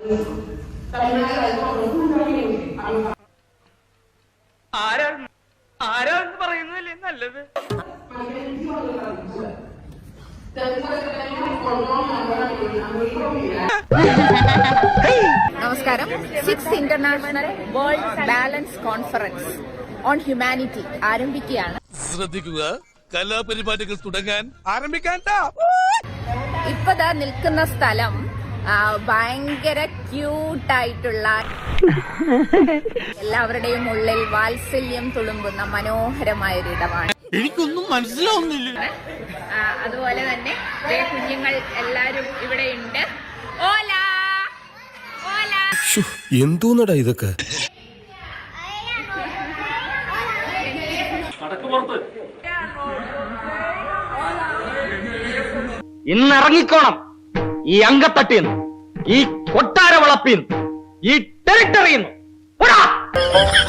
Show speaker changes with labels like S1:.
S1: ആരാന്ന് പറയുന്നതല്ലേ നല്ലത്.
S2: നമസ്കാരം. 6th international world balance conference on humanity ആരംഭിക്കുകയാണ്.
S3: ശ്രദ്ധിക്കുക, കലാപരിപാടികൾ തുടങ്ങാൻ ആരംഭിക്കാൻ.
S2: ഇപ്പതാ നിൽക്കുന്ന സ്ഥലം ഭയങ്കര ക്യൂട്ടായിട്ടുള്ള, എല്ലാവരുടെയും ഉള്ളിൽ വാത്സല്യം തുളുമ്പുന്ന മനോഹരമായ ഒരു ഇടമാണ്.
S3: എനിക്കൊന്നും മനസ്സിലാവുന്നില്ല.
S2: അതുപോലെ തന്നെ കുഞ്ഞുങ്ങൾ എല്ലാരും ഇവിടെ ഉണ്ട്. ഓല ഓല,
S4: എന്തോന്നടാ ഇതൊക്കെ?
S1: ഇന്നിറങ്ങിക്കോണം ഈ അങ്കത്തട്ടിന്ന്, ഈ കൊട്ടാര വളപ്പിന്ന്, ഈ ടെറിട്ടറിന്ന്.